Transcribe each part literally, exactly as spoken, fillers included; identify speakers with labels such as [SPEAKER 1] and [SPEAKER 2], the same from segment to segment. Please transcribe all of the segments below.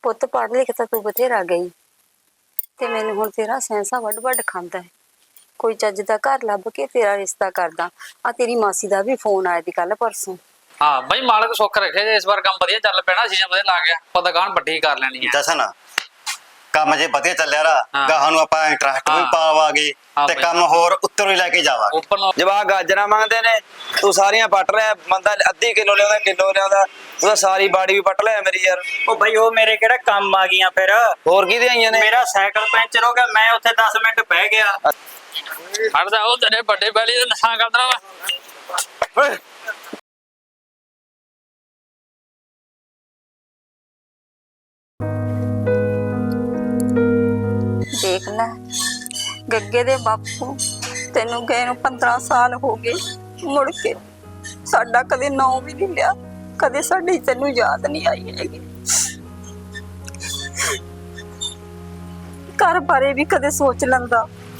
[SPEAKER 1] ਪੁੱਤ ਪੜ੍ਹ ਲਿਖ ਤਾਂ ਤੂੰ ਬਥੇਰਾ ਗਈ ਤੇ ਮੈਨੂੰ ਹੁਣ ਤੇਰਾ ਸੈਂਸਾ ਵੱਡ ਵੱਡ ਖਾਂਦਾ ਹੈ। ਕੋਈ ਚੱਜ ਦਾ ਘਰ ਲੱਭ ਕੇ ਤੇਰਾ ਰਿਸ਼ਤਾ ਕਰਦਾ। ਆ ਤੇਰੀ ਮਾਸੀ ਦਾ ਵੀ ਫੋਨ ਆਇਆ ਸੀ ਕੱਲ परसों।
[SPEAKER 2] हाँ बई मालक सुख रखे जे इस बार काम वधिया चल पैना सीजन वधिया ला गया पता दुकान ਵੱਡੀ कर लेनी है।
[SPEAKER 3] जसन ਕੰਮ ਜੇ ਵਧੀਆ ਚੱਲਿਆ ਰਾ ਗਾਹਾਂ ਨੂੰ ਆਪਾਂ ਇੰਟਰਸਟ ਵੀ ਪਾਵਾਂਗੇ ਤੇ ਕੰਮ ਹੋਰ ਉੱਤਰ ਹੀ ਲੈ ਕੇ ਜਾਵਾਂਗੇ।
[SPEAKER 2] ਉੱਪਰ ਨੂੰ
[SPEAKER 4] ਜਵਾਕ ਗਾਜਰਾਂ ਮੰਗਦੇ ਨੇ ਤੂੰ ਸਾਰੀਆਂ ਪੱਟ ਲੈ ਬੰਦਾ ਅੱਧੀ ਕਿਲੋ ਲਿਆਉਂਦਾ ਕਿਲੋ ਲਿਆਉਂਦਾ ਉਹਦਾ ਸਾਰੀ ਬਾੜੀ ਵੀ ਪੱਟ ਲੈ ਮੇਰੀ ਯਾਰ।
[SPEAKER 5] ਉਹ ਬਈ ਉਹ ਮੇਰੇ ਕਿਹੜਾ ਕੰਮ ਆ ਗਈਆਂ ਫਿਰ
[SPEAKER 4] ਹੋਰ ਕਿਹਦੇ ਆਈਆਂ ਨੇ?
[SPEAKER 5] ਮੇਰਾ ਸਾਈਕਲ ਪੈਂਚਰ ਹੋ ਗਿਆ ਮੈਂ ਉੱਥੇ ਦਸ ਮਿੰਟ ਬਹਿ ਗਿਆ।
[SPEAKER 2] ਹਟਦਾ ਉਹ ਤੇਰੇ ਵੱਡੇ ਬੈਲੀ ਦੇ ਨਸ਼ਾ ਕਰਦਾ ਵਾ।
[SPEAKER 4] ਓਏ
[SPEAKER 1] देख लै गग्गे दे बापू तेनू गए नू पंद्रह साल हो गए मुड़ के साडा कदे नाम भी नहीं लिया कदे साडी तेनू याद नहीं आई हैगी। घर बारे भी कदे सोच लंदा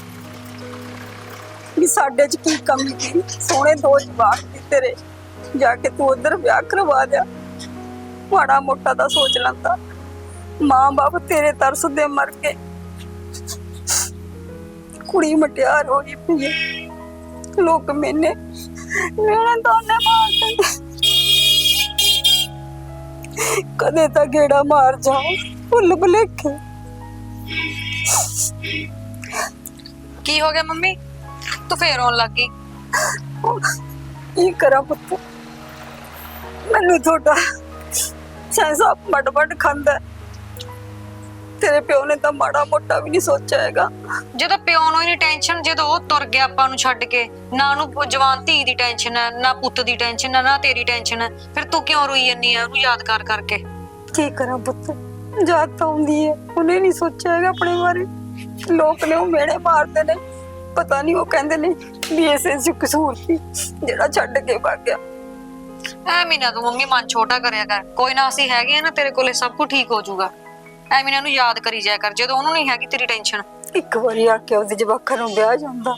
[SPEAKER 1] भी साडे च की कमी थी। सोहणे दो जवाक दी तेरे जाके तू उधर ब्याह करवा दिया। माड़ा मोटा दा सोच लंदा मां बाप तेरे तरस दे मर गए। कुड़ी मटियार होई पई है लोग मैंने मेरे दोने मार कदे ता गेड़ा मार जाओ भुल भुलेखे।
[SPEAKER 6] की हो गया मम्मी तू फिर रोन लग गई?
[SPEAKER 1] की करा पुत्त मैनू थोड़ा सैंसा मट मट खांदा तेरे प्यो ने तो माड़ा मोटा भी नहीं सोचा हैगा।
[SPEAKER 6] ਜਦੋਂ ਪਿਓ ਨੂੰ ਹੀ ਨਹੀਂ ਟੈਨਸ਼ਨ ਜਦੋਂ ਉਹ ਤੁਰ ਗਿਆ ਆਪਾਂ ਨੂੰ ਛੱਡ ਕੇ ਨਾ ਉਹਨੂੰ ਜਵਾਨ ਧੀ ਦੀ ਟੈਨਸ਼ਨ ਹੈ ਨਾ ਪੁੱਤ ਦੀ ਟੈਨਸ਼ਨ ਹੈ ਨਾ ਤੇਰੀ ਟੈਨਸ਼ਨ ਹੈ ਫਿਰ ਤੂੰ ਕਿਉਂ ਰੋਈ ਜੰਨੀ ਆ ਉਹਨੂੰ ਯਾਦ ਕਰ ਕਰਕੇ?
[SPEAKER 1] की करा पुत्त याद तो आउंदी है उन्हें नहीं सोचा हैगा अपने बारे। लोग ने वो मेड़े मारते ने पता नहीं वो कहंदे ने भी ऐसे च कसूर सी जेड़ा छड्ड के भाग गया।
[SPEAKER 6] ਐਵੇਂ ਨਾ ਤੂੰ ਮੰਮੀ ਮਨ ਛੋਟਾ ਕਰਿਆ ਕਰ ਕੋਈ ਨਾ ਅਸੀਂ ਹੈਗੇ ਆ ਨਾ ਤੇਰੇ ਕੋਲੇ ਸਭ ਕੁਝ ਠੀਕ ਹੋ ਜਾਊਗਾ। ਐਵੇਂ ਨਾ ਨੂੰ ਯਾਦ ਕਰੀ ਜਾਇਆ ਕਰ ਜਦੋਂ ਉਹਨੂੰ ਨਹੀਂ ਹੈਗੀ ਤੇਰੀ ਟੈਨਸ਼ਨ।
[SPEAKER 1] ਇੱਕ ਵਾਰੀ ਆ ਕੇ ਉਹਦੇ ਜਵਾਕਾਂ ਨੂੰ ਵਿਆਹ ਜਾਂਦਾ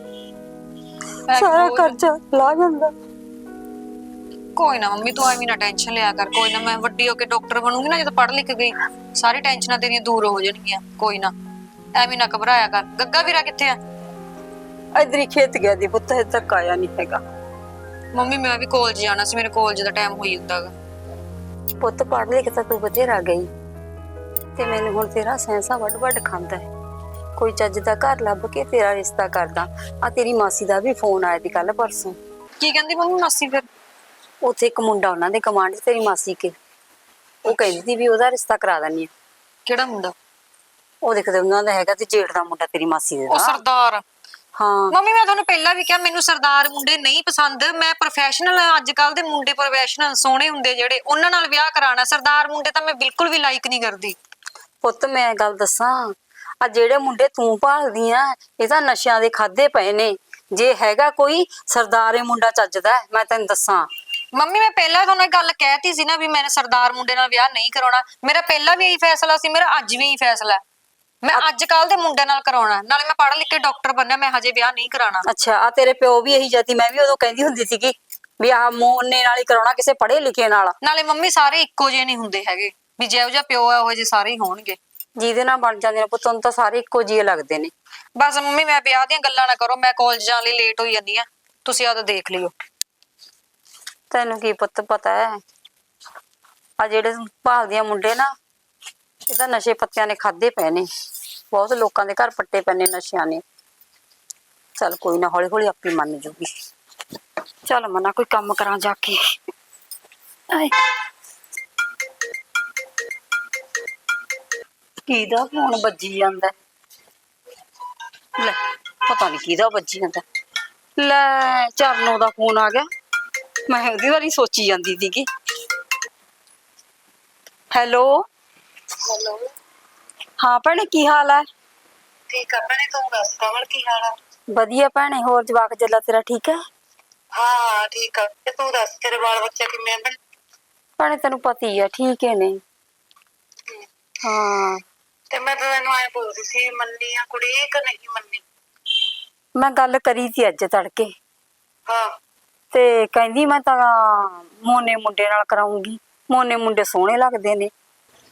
[SPEAKER 1] ਸਾਰਾ ਕਰਜ਼ਾ ਲਾ ਜਾਂਦਾ।
[SPEAKER 6] ਕੋਈ ਨਾ ਮੰਮੀ ਤੂੰ ਐਵੇਂ ਨਾ ਟੈਨਸ਼ਨ ਲਿਆ ਕਰ ਕੋਈ ਨਾ ਮੈਂ ਵੱਡੀ ਹੋ ਕੇ ਡਾਕਟਰ ਬਣੂੰਗੀ ਨਾ ਜਦੋਂ ਪੜ੍ਹ ਲਿਖ ਗਈ ਸਾਰੀ ਟੈਨਸ਼ਨਾਂ ਤੇਰੀਆਂ ਦੂਰ ਹੋ ਜਾਣਗੀਆਂ। ਕੋਈ ਨਾ ਐਵੇਂ ਨਾ ਘਬਰਾਇਆ ਕਰ। ਗੱਗਾ ਵੀਰਾ ਕਿੱਥੇ ਆ?
[SPEAKER 1] ਇਧਰ ਹੀ ਖੇਤ ਗਿਆ ਦੀ ਪੁੱਤ ਹਜੇ ਤੱਕ ਆਇਆ ਨਹੀਂ ਹੈਗਾ।
[SPEAKER 6] ਮੰਮੀ ਮੈਂ ਵੀ ਕਾਲਜ ਜਾਣਾ ਸੀ ਮੇਰੇ ਕਾਲਜ ਦਾ ਟਾਈਮ ਹੋਈ ਹੁੰਦਾਗਾ।
[SPEAKER 1] ਪੁੱਤ ਪੜ੍ਹ ਲਿਖ ਤਾਂ ਤੂੰ ਬਥੇਰਾ ਗਈ ਤੇ ਮੈਨੂੰ ਹੁਣ ਤੇਰਾ ਸੈਂਸਾ ਵੱਡ ਵੱਡ ਖਾਂਦਾ ਹੈ। ਕੋਈ ਚੱਜ ਦਾ ਘਰ ਲੱਭ ਕੇ ਤੇਰਾ ਰਿਸ਼ਤਾ ਕਰਦਾ। ਆ ਤੇਰੀ ਮਾਸੀ ਦਾ ਵੀ ਫੋਨ ਆਇਆ ਸੀ ਕੱਲ परसों।
[SPEAKER 6] ਕੀ ਕਹਿੰਦੀ ਮੰਮੀ ਮਾਸੀ ਫਿਰ?
[SPEAKER 1] ਉੱਥੇ ਇੱਕ ਮੁੰਡਾ ਉਹਨਾਂ ਦੇ ਕਮਾਂਡ ਤੇਰੀ ਮਾਸੀ ਕੇ ਉਹ ਕਹਿੰਦੀ ਸੀ ਵੀ ਉਹਦਾ ਰਿਸ਼ਤਾ ਕਰਾ ਦਿੰਨੀ ਆ।
[SPEAKER 6] ਕਿਹੜਾ ਮੁੰਡਾ?
[SPEAKER 1] ਉਹ ਦੇਖਦੇ ਉਹਨਾਂ ਦਾ ਹੈਗਾ ਤੇ ਜੇਠ ਦਾ ਮੁੰਡਾ ਤੇਰੀ ਮਾਸੀ ਦੇ
[SPEAKER 6] ਉਹ
[SPEAKER 1] ਦਾ।
[SPEAKER 6] ਸਰਦਾਰ।
[SPEAKER 1] ਹਾਂ
[SPEAKER 6] ਮੰਮੀ ਮੈਂ ਤੁਹਾਨੂੰ ਪਹਿਲਾਂ ਵੀ ਕਿਹਾ ਮੈਨੂੰ ਸਰਦਾਰ ਮੁੰਡੇ ਨਹੀਂ ਪਸੰਦ। ਮੈਂ ਪ੍ਰੋਫੈਸ਼ਨਲ ਅੱਜ ਕੱਲ ਦੇ ਮੁੰਡੇ ਪ੍ਰੋਫੈਸ਼ਨਲ ਸੋਹਣੇ ਹੁੰਦੇ ਜਿਹੜੇ ਉਹਨਾਂ ਨਾਲ ਵਿਆਹ ਕਰਾਣਾ। ਸਰਦਾਰ ਮੁੰਡੇ ਤਾਂ ਮੈਂ ਬਿਲਕੁਲ ਵੀ ਲਾਈਕ ਨਹੀਂ ਕਰਦੀ।
[SPEAKER 1] ਪੁੱਤ ਮੈਂ ਗੱਲ ਦੱਸਾਂ ਆ ਜਿਹੜੇ ਮੁੰਡੇ ਤੂੰ ਭਾਲਦੀ ਆ ਇਹ ਤਾਂ ਨਸ਼ਿਆਂ ਦੇ ਖਾਦੇ ਪਏ ਨੇ। ਜੇ ਹੈਗਾ ਕੋਈ ਸਰਦਾਰੇ ਮੁੰਡਾ ਚੱਜਦਾ ਮੈਂ ਤੈਨੂੰ ਦੱਸਾਂ।
[SPEAKER 6] ਮੰਮੀ ਮੈਂ ਪਹਿਲਾਂ ਤੁਹਾਨੂੰ ਇਹ ਗੱਲ ਕਹਿਤੀ ਸੀ ਨਾ ਵੀ ਮੈਂ ਸਰਦਾਰ ਮੁੰਡੇ ਨਾਲ ਵਿਆਹ ਨਹੀਂ ਕਰਾਉਣਾ। ਮੇਰਾ ਪਹਿਲਾਂ ਵੀ ਇਹੀ ਫੈਸਲਾ ਸੀ ਮੇਰਾ ਅੱਜ ਵੀ ਇਹੀ ਫੈਸਲਾ ਹੈ। ਮੈਂ ਅੱਜ ਕੱਲ ਦੇ ਮੁੰਡੇ ਨਾਲ ਕਰਾਉਣਾ ਨਾਲੇ ਮੈਂ ਪੜ੍ਹ ਲਿਖ ਕੇ ਡਾਕਟਰ ਬਣਨਾ ਮੈਂ ਹਜੇ ਵਿਆਹ ਨਹੀਂ ਕਰਾਉਣਾ।
[SPEAKER 1] ਅੱਛਾ ਆ ਤੇਰੇ ਪਿਓ ਵੀ ਇਹੀ ਜਾਤੀ ਮੈਂ ਵੀ ਉਦੋਂ ਕਹਿੰਦੀ ਹੁੰਦੀ ਸੀਗੀ ਵੀ ਆ ਮੋਨੇ ਨਾਲ ਹੀ ਕਰਾਉਣਾ ਕਿਸੇ ਪੜ੍ਹੇ ਲਿਖੇ ਨਾਲ।
[SPEAKER 6] ਨਾਲੇ ਮੰਮੀ ਸਾਰੇ ਇੱਕੋ ਜਿਹੇ ਨਹੀਂ ਹੁੰਦੇ ਹੈਗੇ ਵੀ ਜਿਹੋ ਜਿਹਾ ਪਿਓ ਹੈ ਉਹ ਜਿਹੇ ਸਾਰੇ ਹੀ ਹੋਣਗੇ।
[SPEAKER 1] ਜਿਹਦੇ ਨਾਲ ਬਣ ਜਾਂਦੇ ਨੇ ਪੁੱਤ ਨੂੰ ਤਾਂ ਸਾਰੇ ਇੱਕੋ ਜਿਹੇ ਲੱਗਦੇ ਨੇ।
[SPEAKER 6] ਬਸ ਮੰਮੀ ਮੈਂ ਵਿਆਹ ਦੀਆਂ ਗੱਲਾਂ ਨਾ ਕਰੋ ਮੈਂ ਕਾਲਜ ਜਾਣ ਲਈ ਲੇਟ ਹੋਈ ਜਾਂਦੀ ਆ ਤੁਸੀਂ ਆਦੋ ਦੇਖ ਲਿਓ।
[SPEAKER 1] ਤੈਨੂੰ ਕੀ ਪੁੱਤ ਪਤਾ ਹੈ ਆ ਜਿਹੜੇ ਭਾਲਦੀਆਂ ਮੁੰਡੇ ਨਾ ਇਹ ਤਾਂ ਨਸ਼ੇ ਪੱਤਿਆਂ ਨੇ ਖਾਦੇ ਪਏ ਨੇ। ਬਹੁਤ ਲੋਕਾਂ ਦੇ ਘਰ ਪੱਟੇ ਪਏ ਨੇ ਨਸ਼ਿਆਂ ਨੇ। ਚੱਲ ਕੋਈ ਨਾ ਹੌਲੀ ਹੌਲੀ ਆਪੇ ਮੰਨ ਜੂਗੀ। ਚੱਲ ਮਨਾ ਕੋਈ ਕੰਮ ਕਰਾਂ ਜਾ ਕੇ। ਆਏ ਕਿਹਦਾ ਫੋਨ ਵੱਜੀ ਜਾਂਦਾ ਲੈ ਪਤਾ ਨਹੀਂ ਕਿਹਦਾ ਵੱਜੀ ਜਾਂਦਾ। ਲੈ ਚਰਨੋਂ ਦਾ ਫੋਨ ਆ ਗਿਆ ਮੈਂ ਉਹਦੀ ਵਾਰੀ ਸੋਚੀ ਜਾਂਦੀ ਸੀਗੀ। ਹੈਲੋ
[SPEAKER 7] ਹੈਲੋ
[SPEAKER 1] ਹਾਂ ਭੈਣੇ ਕੀ ਹਾਲ ਹੈ?
[SPEAKER 7] ਠੀਕ ਆ ਭੈਣੇ ਤੂੰ ਦੱਸ ਕਮਲ ਕੀ ਹਾਲ ਆ?
[SPEAKER 1] ਵਧੀਆ ਭੈਣੇ ਹੋਰ ਜਵਾਕ ਜੱਲਾ ਤੇਰਾ ਠੀਕ ਹੈ?
[SPEAKER 7] ਹਾਂ ਹਾਂ ਠੀਕ ਆ ਤੇ ਤੂੰ ਦੱਸ ਤੇਰੇ ਬਾਲ ਬੱਚੇ ਕਿਵੇਂ ਆ?
[SPEAKER 1] ਭੈਣੇ ਤੈਨੂੰ ਪਤਾ ਹੀ ਆ ਠੀਕ ਹੈ ਨੇ। ਹਾਂ
[SPEAKER 7] ਤੇ ਮੈਂ ਤਾਂ ਤੈਨੂੰ ਐ ਬੋਲਦੀ ਸੀ ਮੰਨੀ ਆ ਕੁੜੀ ਕਿ ਨਹੀਂ ਮੰਨੀ?
[SPEAKER 1] ਮੈਂ ਗੱਲ ਕਰੀ ਸੀ ਅੱਜ ਤੜਕੇ
[SPEAKER 7] ਹਾਂ
[SPEAKER 1] ਤੇ ਕਹਿੰਦੀ ਮੈਂ ਤਾਂ ਮੋਨੇ ਮੁੰਡੇ ਨਾਲ ਕਰਾਉਂਗੀ। ਮੋਨੇ ਮੁੰਡੇ ਸੋਹਣੇ ਲੱਗਦੇ ਨੇ।